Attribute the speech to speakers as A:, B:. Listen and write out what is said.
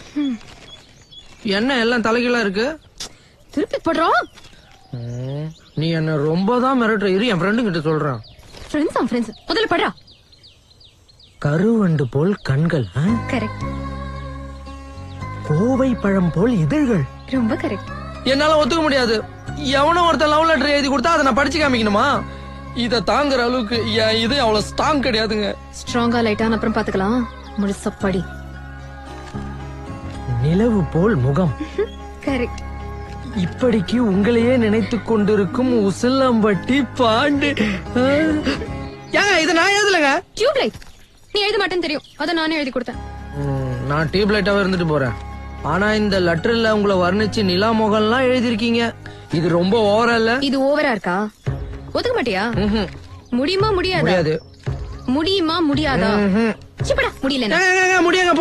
A: என்ன எல்லாம் தலைகீழா இருக்கு?
B: திருப்பி படுறோம்.
A: நீ என்ன ரொம்ப தான் மிரட்டுற. இரு என் ஃப்ரெண்டு கிட்ட சொல்றான்.
B: ஃப்ரெண்ட்ஸ் முதல்ல படுறா.
A: கருவண்டு போல் கண்கள்,
B: கரெக்ட்.
A: கோவை பழம் போல் இதழ்கள்.
B: ரொம்ப கரெக்ட்.
A: என்னால ஒத்துக்க முடியாது. எவனோ ஒருத்தர் லவ் லெட்டர் எழுதி கொடுத்தா அதை நான் படிச்சு காமிக்கணுமா? இத தாங்குற அளவுக்கு இது அவ்வளவு ஸ்ட்ராங் கிடையாதுங்க.
B: ஸ்ட்ராங்கா லைட்டா அப்புறம் பாத்துக்கலாம். முழுசா படி.
A: நிலவு போல் முகம்.
B: கரெக்ட்.
A: இப்படிக்கு உங்களையே நினைத்துக் கொண்டிருக்கும் உசிலம்பட்டி பாண்டு. ஏங்க இத நான் எழுதலங்க.
B: டியூப்லைட் நீ எழுத மாட்டேன்னு தெரியும், அத நானே எழுதி கொடுத்தேன்.
A: நான் டியூப்லைட்டாவே இருந்துட்டு போறேன். ஆனா இந்த லெட்டர்ல உங்களை வர்ணிச்சு நிலா முகம்லாம் எழுதிருக்கீங்க. இது ரொம்ப ஓவரா இல்ல?
B: இது ஓவரா இருக்கா? ஒத்துக்க மாட்டியா? முடியுமா முடியாதா?
A: முடியாது.
B: முடியுமா முடியாதா? முடியல.
A: முடியாங்க.